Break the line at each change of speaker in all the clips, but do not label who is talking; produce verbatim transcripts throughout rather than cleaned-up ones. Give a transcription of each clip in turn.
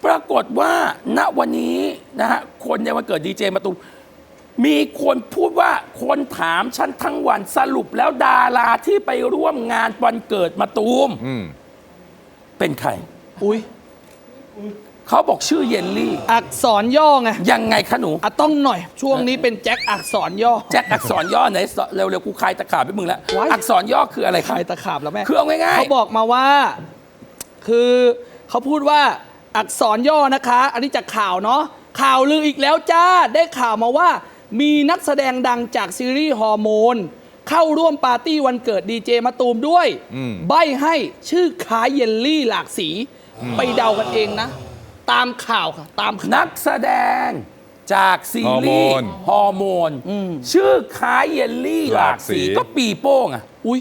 ปรากฏว่าณวันนี้นะฮะคนในวันเกิดดีเจมะตูมมีคนพูดว่าคนถามฉันทั้งวันสรุปแล้วดาราที่ไปร่วมงานวันเกิดมะตูมเป็นใคร
อุ้ย
เขาบอกชื่อเยลลี่
อักษรย่อไง
ยังไงคะหนู
อ่ะต้องหน่อยช่วงนี้เป็นแจ็คอักษรย่อ
แจ็คอักษรย่อไหนเร็วๆกูคลายตะขาบไปมึงแล้วอักษรย่อคืออะไร
คลายตะขาบแล้วแม่
คือเอาง่ายๆ
เขาบอกมาว่าคือเขาพูดว่าอักษรย่อนะคะอันนี้จากข่าวเนาะข่าวลืออีกแล้วจ้าได้ข่าวมาว่ามีนักแสดงดังจากซีรีส์ฮอร์โมนเข้าร่วมปาร์ตี้วันเกิดดีเจมะตูมด้วยใบ้ให้ชื่อคล้ายเยลลี่หลากสีไปเดากันเองนะตามข่าวค่ะตาม
นักแสดงจากซีรีส์ฮอร์โมนชื่อคล้ายเยลลี่หลากสีก็ปีโป้งอ่ะ
อุ้ย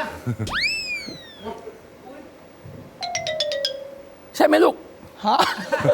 ใช่ไหมลูก
ฮะ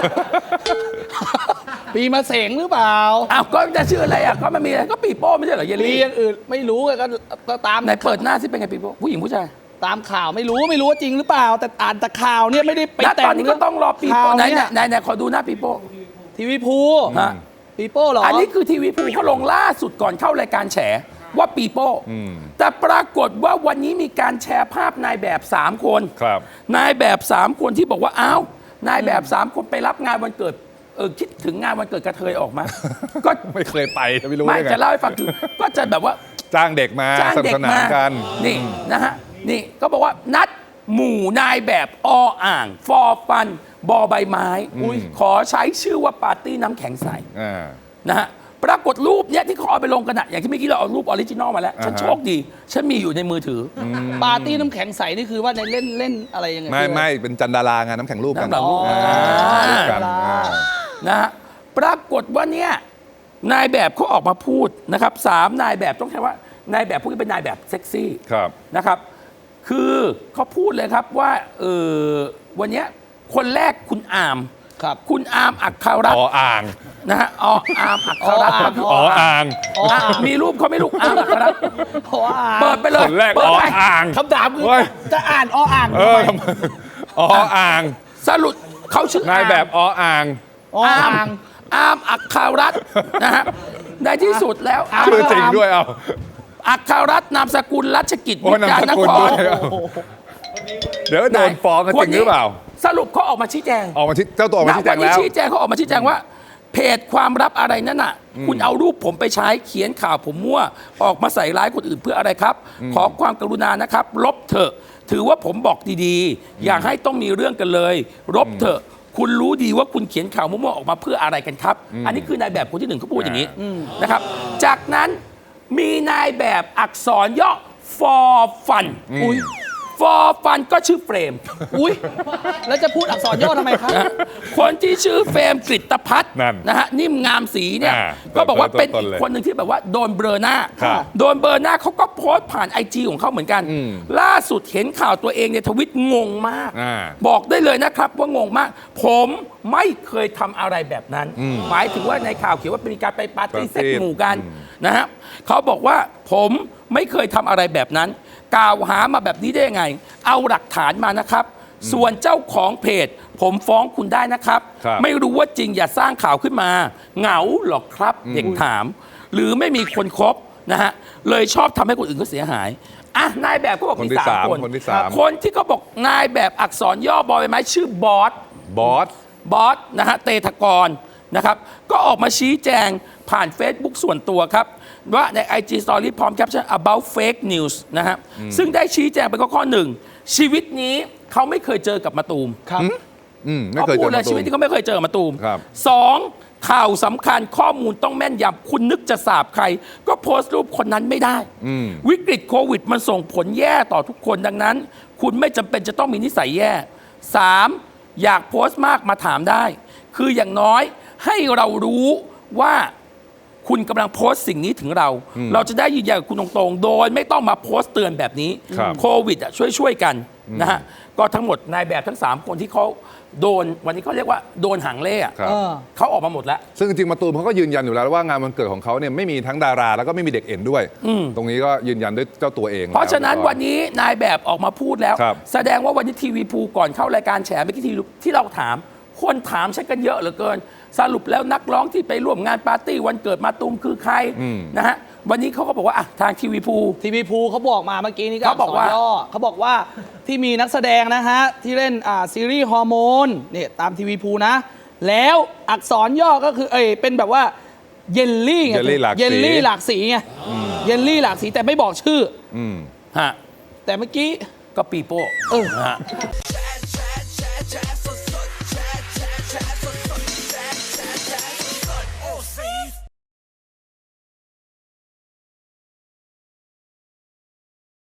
ปีมาเสงหรือเปล่า
อ้าวก็จะชื่ออะไรอ่ะก็มันมีอะไรก็ปีโป้ไม่ใช่เหรอเยลลี่
อย่างอื่นไม่รู้ก็ก็ตาม
ไหนเปิดหน้าสิเป็นไงปีโป้ผู้หญิงผู้ชาย
ตามข่าวไม่รู้ไม่รู้ว่าจริงหรือเปล่าแต่อ่านแต่ข่าวเนี่ยไม่ได้ไปแต่ง
ตอนนี้ก็ต้องรอปีโป้ไหนไหนไหนขอดูหน้าปีโป้
ทีวีพู
ฮะ
ปีโป้เหรอ
อันนี้คือทีวีพูเขาลงล่าสุดก่อนเข้ารายการแฉว่าปีโป้แต่ปรากฏว่าวันนี้มีการแชร์ภาพนายแบบสามคนนายแบบสามคนที่บอกว่าอ้าวนายแบบสามคนไปรับงานวันเกิดเออคิดถึงงานวันเกิดกระเทยออกมา
ก็ไม่เคยไปไม่รู้
ไม่จะเล่าให้ฟังคือก็จะแบบว่า
จ้างเด็กมาสนุกสนานกัน
นี่นะฮะนี่ก็บอกว่านัดหมู่นายแบบออ่างฟอฟันบอใบไม้ขอใช้ชื่อว่าปาร์ตี้น้ำแข็งใสนะฮะปรากฏรูปเนี้ยที่เขาเอาไปลงกันอะอย่างที่เมื่อกี้เราเอารูปออริจินอลมาแล้วฉันโชคดีฉันมีอยู่ในมือถือ
ปาร์ตี้น้ำแข็งใสนี่คือว่าในเล่นเล่นอะไรยังไง
ไม่ไม่เป็นจันดารางานน้ำแข็งรูปกัน
กันนะฮะปรากฏว่าเนี่ยนายแบบเขาออกมาพูดนะครับสามนายแบบต้องใช้ว่านายแบบพวกนี้เป็นนายแบบเซ็กซี่นะครับคือเขาพูดเลยครับว่าเออวันนี้คนแรกคุณอาม
ครับ
คุณอาร์มอัคคารัตน์
อ๋ออ่าง
นะฮะอ๋ออาร์มอัคคารัตน์
อ๋ออ่าง
มีรูปเขาไม่ลูกอาร์มอัคคารัตน์เปิดไปเลย
คนแรกอ๋ออ่าง
คำถามคือจะอ่านอ๋ออ่าง
เอออ๋ออ่าง
สรุปเขาชื่อน
ายแบบอ๋ออ่าง
อาร์มอาร์มอัคคารัตน์นะฮะในที่สุดแล้ว
ชื่อจริงด้วยเอา
อัคคารัตน์นามสกุลรัชกิจวิจารนคร
เดี๋ยวโดนฟ้องกันจริงหรือเปล่า
สรุปเขาออกมาชี้แจง
ออกมาเจ้าตัวออกมาชี้แจงแล้ว
ชี้แจงเขาออกมาชี้แจงว่าเพจความลับอะไรนั่นน่ะคุณเอารูปผมไปใช้เขียนข่าวผมมั่วออกมาใส่ร้ายคนอื่นเพื่ออะไรครับขอความกรุณานะครับลบเถอะถือว่าผมบอกดีๆอย่าให้ต้องมีเรื่องกันเลยลบเถอะคุณรู้ดีว่าคุณเขียนข่าวมั่วๆออกมาเพื่ออะไรกันครับอันนี้คือนายแบบคนที่หนึ่งเขาพูดอย่างนี้นะครับจากนั้นมีนายแบบอักษรย่อ for fun อุ้ยฟอร์ฟันก็ชื่อเฟรม
อุ้ยแล้วจะพูดอักษรย่อทำไมครับ
คนที่ชื่อเฟรมกฤตพัฒน์นะฮะนิ่มงามสีเนี่ยก็บอกว่าเป็นอีกคนหนึ่งที่แบบว่าโดนเบลอหน้าโดนเบลอหน้าเขาก็โพสต์ผ่านไอจีของเขาเหมือนกันล่าสุดเห็นข่าวตัวเองในทวิตงงมากบอกได้เลยนะครับว่างงมากผมไม่เคยทำอะไรแบบนั้นหมายถึงว่าในข่าวเขียนว่าเป็นการไปปาร์ตี้เซ็กหมู่กันนะฮะเขาบอกว่าผมไม่เคยทำอะไรแบบนั้นกล่าวหามาแบบนี้ได้ยังไงเอาหลักฐานมานะครับส่วนเจ้าของเพจผมฟ้องคุณได้นะครับไม่รู้ว่าจริงอย่าสร้างข่าวขึ้นมาเหงาหรอกครับเด็กถามหรือไม่มีคนคบนะฮะเลยชอบทำให้คนอื่นเขาเสียหายอ่ะนายแบบเขาบอกมีสามคนคนที่เขาบอกนายแบบอักษรย่อบอยไม้ชื่อบอส
บอส
บอสนะฮะเตทกรนะครับก็ออกมาชี้แจงผ่าน Facebook ส่วนตัวครับว่าใน ไอ จี Story พร้อมแคปชั่น about fake news นะฮะซึ่งได้ชี้แจงไปข้อหนึ่งชีวิตนี้เขาไม่เคยเจอกับมะตูม
ครับ
เขาพูดเลยชีวิตที่เขาไม่เคยเจอกับมะตูมสองข่าวสำคัญข้อมูลต้องแม่นยำคุณนึกจะสาบใครก็โพสต์รูปคนนั้นไม่ได้วิกฤตโควิดมันส่งผลแย่ต่อทุกคนดังนั้นคุณไม่จำเป็นจะต้องมีนิสัยแย่สามอยากโพสต์มากมาถามได้คืออย่างน้อยให้เรารู้ว่าคุณกำลังโพสต์สิ่งนี้ถึงเราเราจะได้ยืนยันกับคุณตรงๆโดยไม่ต้องมาโพสต์เตือนแบบนี้โควิดอ่ะช่วยช่วยกันนะฮะก็ทั้งหมดนายแบบทั้งสามคนที่เขาโดนวันนี้เขาเรียกว่าโดนหางเล่อะเขาออกมาหมดแล้ว
ซึ่งจริงๆมาตูมเขาก็ยืนยันอยู่แล้วว่างานวันเกิดของเขาเนี่ยไม่มีทั้งดาราแล้วก็ไม่มีเด็กเอ็นด้วยตรงนี้ก็ยืนยันด้วยเจ้าตัวเอง
เพราะฉะนั้นวันนี้นายแบบออกมาพูดแล้วแสดงว่าวันนี้ทีวีภูก่อนเข้ารายการแฉเมื่อกี้ที่เราถามคนถามฉันกันเยอะเหลือเกิน สรุปแล้วนักร้องที่ไปร่วมงานปาร์ตี้วันเกิดมาตูมคือใครนะฮะวันนี้เขาก็บอกว่าอ่ะทางทีวีภู
ทีวีภูเขาบอกมาเมื่อกี้นี้ก็
เขาบอกว่า
อัษรย่อเขาบอกว่าที่มีนักแสดงนะฮะที่เล่นอ่าซีรีส์ฮอร์โมนเนี่ยตามทีวีภูนะแล้วอักษรย่อก็คือเอยเป็นแบบว่าเยลลี่ไง
เยลลี่หลากสี
เยลลี่หลากสีไงเยลลี่หลากสีแต่ไม่บอกชื่อ
อืม
ฮะ
แต่เมื่อกี้
ก็ปีโป้
เออ
นะฮะ